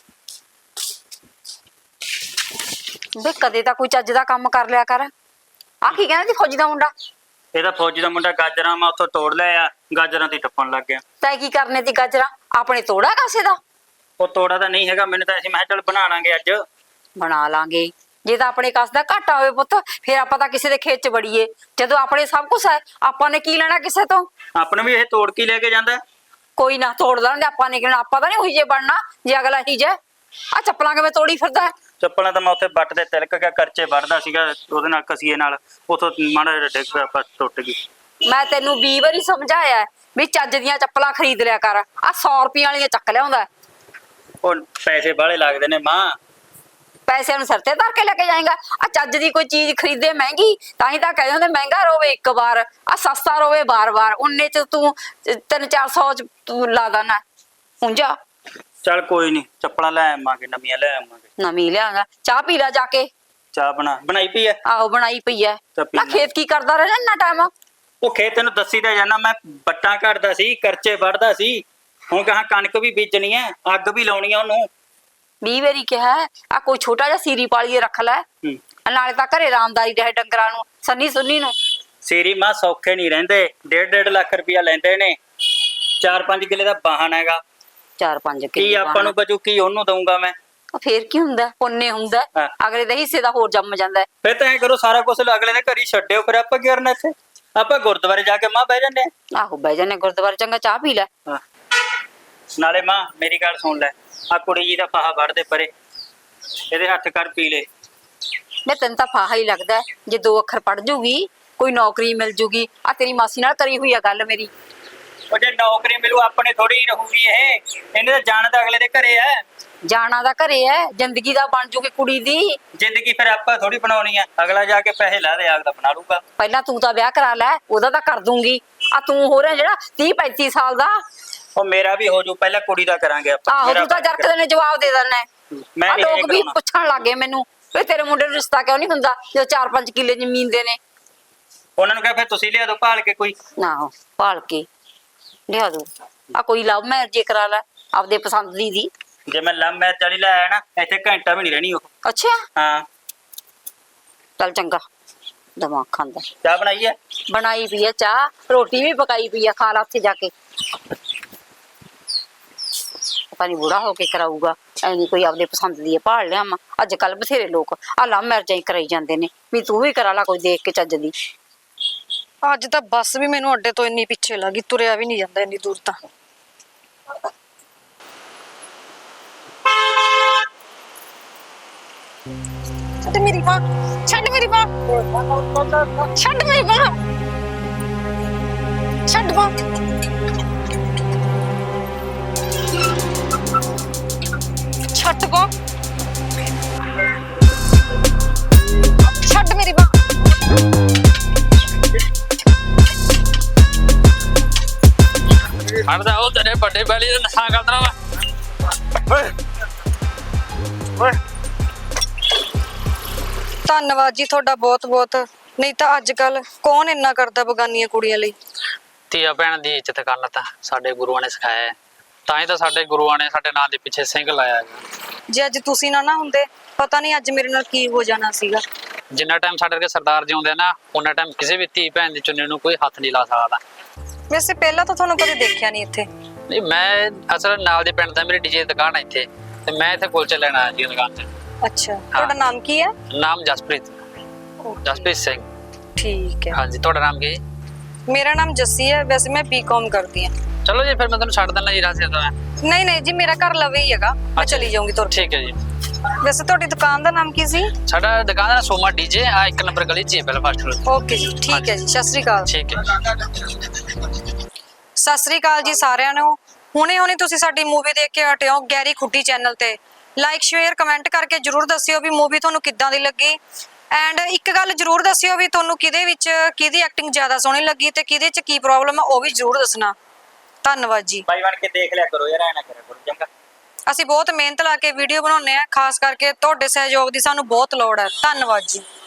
[SPEAKER 1] ਵੇ ਕਦੇ ਤਾਂ ਕੋਈ ਚੱਜ ਦਾ ਕੰਮ ਕਰ ਲਿਆ ਕਰ। ਆ ਕੀ ਕਹਿੰਦਾ ਜੀ ਫੌਜੀ ਦਾ ਮੁੰਡਾ?
[SPEAKER 5] ਇਹਦਾ ਫੌਜੀ ਦਾ ਮੁੰਡਾ ਗਾਜਰਾਂ ਮੈਂ ਉੱਥੋਂ ਤੋੜ ਲਿਆ, ਗਾਜਰਾਂ ਤੇ ਟੱਪਣ ਲੱਗ ਗਿਆ।
[SPEAKER 1] ਤੈਂ ਕੀ ਕਰਨੇ ਦੀ ਗਾਜਰਾਂ? ਆਪਣੇ ਤੋੜਾ ਕਾਸੇ ਦਾ?
[SPEAKER 5] ਉਹ ਤੋੜਾ ਤਾਂ ਨਹੀਂ ਹੈਗਾ, ਮੈਨੂੰ ਤਾਂ ਅਸੀਂ ਮੈਂ ਕਿਹਾ ਚੱਲ ਬਣਾ ਲਾਂਗੇ ਅੱਜ।
[SPEAKER 1] ਬਣਾ ਲਾਂਗੇ। ਜੇ ਤਾਂ ਆਪਣੇ ਕਸ ਦਾ ਘਾਟਾ ਹੋਵੇ ਪੁੱਤ, ਫਿਰ ਆਪਾਂ ਤਾਂ ਕਿਸੇ ਦੇ ਖੇਤ ਚ ਵੜੀਏ। ਜਦੋਂ ਆਪਣੇ ਸਭ ਕੁਛ ਹੈ, ਆਪਾਂ ਨੇ ਕੀ ਲੈਣਾ ਕਿਸੇ ਤੋਂ?
[SPEAKER 5] ਆਪਣੇ ਵੀ ਇਹ ਤੋੜ ਕੇ ਲੈ ਕੇ ਜਾਂਦਾ।
[SPEAKER 1] ਕੋਈ ਨਾ ਤੋੜ ਲੈਣਗੇ, ਆਪਾਂ ਨੇ ਕਿਹਨਾਂ, ਆਪਾਂ ਤਾਂ ਨਹੀਂ ਉਹੀ ਜੇ ਬਣਨਾ ਜੇ ਅਗਲਾ ਹੀ ਜੇ। ਆ ਚੱਪਲਾਂ ਕਿਵੇਂ ਤੋੜੀ ਫਿਰਦਾ?
[SPEAKER 5] ਚੱਪਲਾਂ ਤਾਂ ਮੈਂ ਉੱਥੇ ਬੱਟ ਤੇ ਤਿਲਕ ਕੇ ਕਰਚੇ ਵੜਦਾ ਸੀਗਾ, ਉਹਦੇ ਨਾਲ ਕਸੀਏ ਨਾਲ, ਉਥੋਂ ਮਾੜਾ ਜਿਹਾ ਡਿੱਗ ਪਿਆ, ਬਸ ਟੁੱਟ ਗਈ।
[SPEAKER 1] ਮੈਂ ਤੈਨੂੰ ਵੀਹ ਵਾਰੀ ਸਮਝਾਇਆ ਹੈ ਵੀ ਚੱਜ ਦੀਆਂ ਚੱਪਲਾਂ ਖਰੀਦ ਲਿਆ ਕਰ। ਆ ਸੌ ਰੁਪਈਆਂ ਵਾਲੀਆਂ ਚੱਕ ਲਿਆਉਂਦਾ।
[SPEAKER 5] ਉਹ ਪੈਸੇ ਬਾਹਲੇ ਲੱਗਦੇ ਨੇ ਮਾਂ।
[SPEAKER 1] ਪੈਸਿਆਂ ਨੂੰ ਸਿਰ ਤੇ ਧਰ ਕੇ ਲੈ ਕੇ ਜਾਏਗਾ? ਆ ਚੱਜ ਦੀ ਕੋਈ ਚੀਜ਼ ਖਰੀਦੇ ਮਹਿੰਗੀ, ਤਾਂ ਹੀ ਤਾਂ ਕਹਿ ਜਾਂਦੇ ਮਹਿੰਗਾ ਰੋਵੇ ਇੱਕ ਵਾਰ, ਆ ਸਸਤਾ ਰੋਵੇ ਬਾਰ ਬਾਰ। ਉਨੇ ਚ ਤੂੰ ਤਿੰਨ ਚਾਰ ਸੌ ਚ ਤੂੰ ਲਾ ਦੇਣਾ ਹੁੰਜਾ।
[SPEAKER 5] ਚੱਲ ਕੋਈ ਨਹੀਂ, ਚੱਪਲਾਂ ਲੈ ਆਵਾਂਗੇ, ਨਵੀਆਂ ਲੈ ਆਵਾਂਗੇ।
[SPEAKER 1] ਨਵੀਂ ਲਿਆਂਗਾ। ਚਾਹ ਪੀ ਲੈ ਜਾ ਕੇ।
[SPEAKER 5] ਚਾਹ ਬਣਾ ਬਣਾਈ ਪਈ ਐ?
[SPEAKER 1] ਆਹੋ ਬਣਾਈ ਪਈ ਐ।
[SPEAKER 5] ਤਾਂ ਪੀ
[SPEAKER 1] ਨਾ
[SPEAKER 5] ਲੈ।
[SPEAKER 1] ਖੇਤ ਕੀ ਕਰਦਾ ਰਹਿਣਾ ਇੰਨਾ ਟਾਈਮ?
[SPEAKER 5] ਉਹ ਖੇਤ ਤੈਨੂੰ ਦੱਸੀ ਤਾਂ ਜਾਣਾ, ਮੈਂ ਬੱਟਾਂ ਘੜਦਾ ਸੀ, ਕਰਚੇ ਵੱਢਦਾ ਸੀ। ਹੁਣ ਕਹਾਂ ਕਣਕ ਵੀ ਬੀਜਣੀ ਐ, ਅੱਗ ਵੀ ਲਾਉਣੀ ਆ ਉਹਨੂੰ।
[SPEAKER 1] ਵੀਹ ਵਾਰੀ ਕਿਹਾ ਆ ਕੋਈ ਛੋਟਾ ਜਿਹਾ ਸੀਰੀ ਪਾਲੀਏ ਰੱਖ ਲੈ,
[SPEAKER 5] ਹੂੰ।
[SPEAKER 1] ਨਾਲੇ ਤਾਂ ਘਰੇ ਆਰਾਮਦਾਰੀ ਰਹੇ ਡੰਗਰਾਂ ਨੂੰ, ਸੰਨੀ ਸੁੰਨੀ ਨੂੰ।
[SPEAKER 5] ਸੀਰੀ ਮਾਂ ਸੌਖੇ ਨਹੀਂ ਰਹਿੰਦੇ, ਡੇਢ ਡੇਢ ਲੱਖ ਰੁਪਇਆ ਲੈਂਦੇ ਨੇ। ਚਾਰ ਪੰਜ ਕਿੱਲੇ ਦਾ ਬਾਹਨ ਹੈਗਾ,
[SPEAKER 1] ਚਾਰ ਪੰਜ
[SPEAKER 5] ਕੀ
[SPEAKER 1] ਕਿੱਲੇ
[SPEAKER 5] ਆਪਾਂ ਨੂੰ ਬਚੂ, ਕੀ ਉਹਨੂੰ ਦਊਂਗਾ ਮੈਂ।
[SPEAKER 1] ਉਹ ਫੇਰ ਕੀ ਹੁੰਦਾ, ਪੁੰਨੇ ਹੁੰਦਾ,
[SPEAKER 5] ਹਾਂ।
[SPEAKER 1] ਅਗਲੇ ਦੇ ਹਿੱਸੇ ਦਾ ਹੋਰ ਜੰਮ ਜਾਂਦਾ ਹੈ।
[SPEAKER 5] ਫਿਰ ਤਾਂ ਐ ਕਰੋ, ਸਾਰਾ ਕੁਝ ਅਗਲੇ ਦੇ ਘਰ ਹੀ ਛੱਡਿਓ, ਫਿਰ ਆਪਾਂ ਕੀ ਕਰਨਾ ਇੱਥੇ। ਆਪਾਂ ਗੁਰਦੁਆਰੇ ਜਾ ਕੇ ਮਾਂ ਬਹਿ ਜਾਂਦੇ ਆ।
[SPEAKER 1] ਆਹੋ ਬਹਿ ਜਾਨੇ ਗੁਰਦੁਆਰੇ, ਚੰਗਾ ਚਾਹ ਪੀ ਲੈ।
[SPEAKER 5] ਹਾਂ। ਨਾਲੇ ਮਾਂ ਮੇਰੀ ਗੱਲ ਸੁਣ ਲੈ, ਆ ਕੁੜੀ ਜੀ ਦਾ ਫਾਹਾ ਵੜਦੇ ਪਰੇ, ਇਹਦੇ ਹੱਥ ਕਰ ਪੀ ਲੈ।
[SPEAKER 1] ਮੈਂ ਤੈਨੂੰ ਤਾਂ ਫਾਹਾ ਹੀ ਲੱਗਦਾ ਹੈ, ਜੇ ਦੋ ਅੱਖਰ ਪੜ ਜੂਗੀ ਕੋਈ ਨੌਕਰੀ ਮਿਲ ਜੂਗੀ। ਆ ਤੇਰੀ ਮਾਸੀ ਨਾਲ ਕਰੀ ਹੋਈ ਆ ਗੱਲ ਮੇਰੀ।
[SPEAKER 5] ਉਹ ਜੇ ਨੌਕਰੀ ਮਿਲੂ ਆਪਣੇ ਥੋੜੀ ਹੀ ਰਹੂਗੀ ਇਹ, ਇਹਨੇ ਤਾਂ ਜਾਣ ਤਾਂ ਅਗਲੇ ਦੇ ਘਰੇ ਐ।
[SPEAKER 1] ਜਾਣਾ ਦਾ ਘਰੇ ਹੈ, ਜ਼ਿੰਦਗੀ ਦਾ ਬਣ ਜੂਗੀ ਕੁੜੀ ਦੀ।
[SPEAKER 5] ਜ਼ਿੰਦਗੀ ਫਿਰ ਆਪਾਂ ਥੋੜੀ ਬਣਾਉਣੀ ਆ, ਅਗਲਾ ਜਾ ਕੇ ਪੈਸੇ ਲਾ ਦੇ ਆਪਦਾ ਬਣਾ ਲੂਗਾ।
[SPEAKER 1] ਪਹਿਲਾਂ ਤੂੰ ਤਾਂ ਵਿਆਹ ਕਰਾ ਲੈ, ਉਹਦਾ ਤਾਂ ਕਰ ਦੂੰਗੀ। ਆ ਤੂੰ ਹੋ ਰਿਹਾ ਜਿਹੜਾ ਤੀਹ ਪੈਂਤੀ ਸਾਲ ਦਾ।
[SPEAKER 5] ਉਹ ਮੇਰਾ ਵੀ ਹੋ ਜੂ, ਪਹਿਲਾਂ ਕੁੜੀ ਦਾ ਕਰਾਂਗੇ ਆਪਾਂ।
[SPEAKER 1] ਆਹੋ
[SPEAKER 5] ਮੇਰਾ
[SPEAKER 1] ਤੂੰ ਤਾਂ ਜਰਕਦੇ ਨੇ ਜਵਾਬ ਦੇ ਦਿੰਦਾ।
[SPEAKER 5] ਮੈਂ
[SPEAKER 1] ਆ
[SPEAKER 5] ਨਹੀਂ
[SPEAKER 1] ਲੋਕ ਵੀ
[SPEAKER 5] ਕਰਾਉਣਾ।
[SPEAKER 1] ਪੁੱਛਣ ਲੱਗੇ ਮੈਨੂੰ ਵੀ ਤੇਰੇ ਮੁੰਡੇ ਨੂੰ ਰਿਸ਼ਤਾ ਕਿਉਂ ਨਹੀਂ ਹੁੰਦਾ, ਜਦੋਂ ਚਾਰ ਪੰਜ ਕਿੱਲੇ ਜ਼ਮੀਨ ਦੇ ਨੇ।
[SPEAKER 5] ਉਹਨਾਂ ਨੂੰ ਕਹੇ ਫਿਰ ਤੁਸੀਂ ਲਿਆ ਦੋ ਭਾਲ ਕੇ ਕੋਈ।
[SPEAKER 1] ਨਾ ਭਾਲ ਕੇ ਲਿਆ ਦੋ, ਆ ਕੋਈ ਲਵ ਮੈਰਿਜ ਕਰਾ ਲੈ ਆਪਦੇ ਪਸੰਦ ਦੀ ਦੀ।
[SPEAKER 5] ਜੇ ਮੈਂ ਲਵ ਮੈਰਿਜ ਵਾਲੀ ਲੈ ਆਇਆ ਨਾ, ਇੱਥੇ ਘੰਟਾ ਵੀ ਨਹੀਂ ਰਹਿਣੀ ਉਹ।
[SPEAKER 1] ਅੱਛਾ
[SPEAKER 5] ਹਾਂ।
[SPEAKER 1] ਚੱਲ ਚੰਗਾ, ਦਿਮਾਗ ਖਾਂਦਾ।
[SPEAKER 5] ਚਾਹ ਬਣਾਈ ਐ?
[SPEAKER 1] ਬਣਾਈ ਪਈ ਆ ਚਾਹ, ਰੋਟੀ ਵੀ ਪਕਾਈ ਪਈ ਆ, ਖਾ ਲਾ ਉੱਥੇ ਜਾ ਕੇ। ਪਤਾ ਨੀ ਬੁੜਾ ਹੋ ਕੇ ਕਰਾਊਗਾ, ਐਨੀ ਕੋਈ ਆਪਦੇ ਪਸੰਦ ਦੀ ਭਾਲ ਲਿਆ। ਅੱਜ ਕੱਲ ਬਥੇਰੇ ਲੋਕ ਆ ਲਵ ਮੈਰਿਜਾਂ ਹੀ ਕਰਾਈ ਜਾਂਦੇ ਨੇ, ਵੀ ਤੂੰ ਵੀ ਕਰਾ ਲਾ ਕੋਈ ਦੇਖ ਕੇ ਚੱਜ ਦੀ।
[SPEAKER 6] ਅੱਜ ਤਾਂ ਬੱਸ ਵੀ ਮੈਨੂੰ ਅੱਡੇ ਤੋਂ ਇੰਨੀ ਪਿੱਛੇ ਲੱਗੀ, ਤੁਰਿਆ ਵੀ ਨਹੀਂ ਜਾਂਦਾ ਇੰਨੀ ਦੂਰ ਤਾਂ। ਛੱਡ ਮੇਰੀ ਬਾਂਹ, ਛੱਡ ਮੇਰੀ ਬਾਂਹ, ਛੱਡ ਮੇਰੀ ਬਾਂਹ, ਛੱਡ ਬਾਂਹ, ਛੱਡ ਬਾਂਹ, ਛੱਡ ਮੇਰੀ ਬਾਂਹ।
[SPEAKER 2] ਹੜਦਾ ਉਹ ਤੇਰੇ ਵੱਡੇ ਬੈਲੀ ਦਾ ਨਸ਼ਾ ਕਰਦਾ ਵਾ।
[SPEAKER 3] ਓਏ ਓਏ
[SPEAKER 6] ਧੰਨਵਾਦ ਜੀ ਤੁਹਾਡਾ ਬਹੁਤ ਬਹੁਤ, ਨਹੀਂ ਤਾਂ ਅੱਜ ਕੱਲ ਕੌਣ ਇੰਨਾ ਕਰਦਾ ਬਗਾਨੀਆਂ ਕੁੜੀਆਂ ਲਈ।
[SPEAKER 2] ਧੀਆ ਭੈਣ ਦੀ ਇੱਜ਼ਤ ਕਰਨਾ ਤਾਂ ਸਾਡੇ ਗੁਰੂਆਂ ਨੇ ਸਿਖਾਇਆ ਹੈ, ਤਾਂ ਹੀ ਤਾਂ ਸਾਡੇ ਗੁਰੂਆਂ ਨੇ ਸਾਡੇ ਨਾਂ ਦੇ ਪਿੱਛੇ ਸਿੰਘ ਲਾਇਆ ਹੈਗਾ।
[SPEAKER 6] ਜੇ ਅੱਜ ਤੁਸੀਂ ਨਾ ਨਾ ਹੁੰਦੇ, ਪਤਾ ਨਹੀਂ ਅੱਜ ਮੇਰੇ ਨਾਲ ਕੀ ਹੋ ਜਾਣਾ ਸੀਗਾ।
[SPEAKER 2] ਜਿੰਨਾ ਟਾਈਮ ਸਾਡੇ ਵਰਗੇ ਸਰਦਾਰ ਜਿਉਂਦੇ ਆ ਨਾ, ਉਹਨਾਂ ਟਾਈਮ ਕਿਸੇ ਵੀ ਧੀ ਭੈਣ ਦੀ ਚੁੰਨੀ ਨੂੰ ਕੋਈ ਹੱਥ ਨਹੀਂ ਲਾ ਸਕਦਾ।
[SPEAKER 6] ਵੈਸੇ ਪਹਿਲਾਂ ਤਾਂ ਤੁਹਾਨੂੰ ਕਦੇ ਦੇਖਿਆ ਨਹੀਂ ਇੱਥੇ।
[SPEAKER 2] ਨਹੀਂ, ਮੈਂ ਅਸਲ ਨਾਲ ਦੇ ਪਿੰਡ ਦਾ ਮੇਰੀ ਡੀਜੇ ਦੀ ਦੁਕਾਨ ਹੈ ਇੱਥੇ, ਤੇ ਮੈਂ ਇੱਥੇ ਕੁਲਚੇ ਲੈਣ ਆਇਆ ਜੀ ਦੁਕਾਨ 'ਚ।
[SPEAKER 6] ਅੱਛਾ, ਤੁਹਾਡਾ ਨਾਮ ਕੀ ਹੈ?
[SPEAKER 2] ਨਾਮ ਜਸਪ੍ਰੀਤ, ਜਸਪ੍ਰੀਤ ਸਿੰਘ।
[SPEAKER 6] ਠੀਕ ਹੈ।
[SPEAKER 2] ਹਾਂਜੀ, ਤੁਹਾਡਾ ਨਾਮ ਕੀ?
[SPEAKER 6] ਮੇਰਾ ਨਾਮ ਜੱਸੀ ਹੈ, ਵੈਸੇ ਮੈਂ ਬੀਕਾਮ ਕਰਦੀ ਹਾਂ।
[SPEAKER 2] ਚਲੋ ਜੀ, ਫਿਰ ਮੈਂ ਤੁਹਾਨੂੰ ਛੱਡ ਦਿੰਦਾ ਜੀ ਰਾਸਤੇ ਤੋਂ।
[SPEAKER 6] ਨਹੀਂ ਨਹੀਂ ਜੀ, ਮੇਰਾ ਘਰ ਲਵੇ ਹੀ ਹੈਗਾ, ਮੈਂ ਚਲੀ ਜਾਊਂਗੀ ਤੁਰ ਕੇ।
[SPEAKER 2] ਠੀਕ ਹੈ ਜੀ।
[SPEAKER 6] ਵੈਸੇ ਤੁਹਾਡੀ ਦੁਕਾਨ ਦਾ ਨਾਮ ਕੀ ਸੀ?
[SPEAKER 2] ਸਾਡਾ ਦੁਕਾਨ ਦਾ ਸੋਮਾ ਡੀਜੇ ਆ, ਇੱਕ ਨੰਬਰ ਗਲੀ 'ਚ ਪਹਿਲਾਂ ਫਸਟ ਫਲੋਰ।
[SPEAKER 6] ਓਕੇ ਜੀ, ਠੀਕ ਹੈ ਜੀ, ਸਤਿ ਸ੍ਰੀ ਅਕਾਲ।
[SPEAKER 2] ਠੀਕ ਹੈ।
[SPEAKER 6] ਸਤਿ ਸ੍ਰੀ ਅਕਾਲ ਜੀ ਸਾਰਿਆਂ ਨੂੰ। ਹੁਣੇ ਹੁਣੇ ਤੁਸੀਂ ਸਾਡੀ ਮੂਵੀ ਦੇਖ ਕੇ ਹਟੇ ਹੋ ਗੈਰੀ ਖੁੱਡੀ ਚੈਨਲ ਤੇ। ਲਾਈਕ ਸ਼ੇਅਰ ਕਮੈਂਟ ਕਰਕੇ ਜਰੂਰ ਦੱਸਿਓ ਵੀ ਮੂਵੀ ਤੁਹਾਨੂੰ ਕਿੱਦਾਂ ਦੀ ਲੱਗੀ। ਐਂਡ ਇੱਕ ਗੱਲ ਜਰੂਰ ਦੱਸਿਓ ਵੀ ਤੁਹਾਨੂੰ ਕਿਹਦੇ ਵਿੱਚ ਕਿਹਦੀ ਐਕਟਿੰਗ ਜ਼ਿਆਦਾ ਸੋਹਣੀ ਲੱਗੀ ਤੇ ਕਿਹਦੇ 'ਚ ਕੀ ਪ੍ਰੋਬਲਮ ਆ, ਉਹ ਵੀ ਜਰੂਰ ਦੱਸਣਾ। ਧੰਨਵਾਦ ਜੀ।
[SPEAKER 5] ਬਾਈ ਬਣ ਕੇ ਦੇਖ ਲਿਆ ਕਰੋ ਯਾਰ, ਐ ਨਾ ਕਰਿਆ ਕਰੋ ਚੰਗਾ।
[SPEAKER 6] ਅਸੀਂ ਬਹੁਤ ਮਿਹਨਤ ਲਾ ਕੇ ਵੀਡੀਓ ਬਣਾਉਂਦੇ ਆ, ਖਾਸ ਕਰਕੇ ਤੁਹਾਡੇ ਸਹਿਯੋਗ ਦੀ ਸਾਨੂੰ ਬਹੁਤ ਲੋੜ ਹੈ। ਧੰਨਵਾਦ ਜੀ।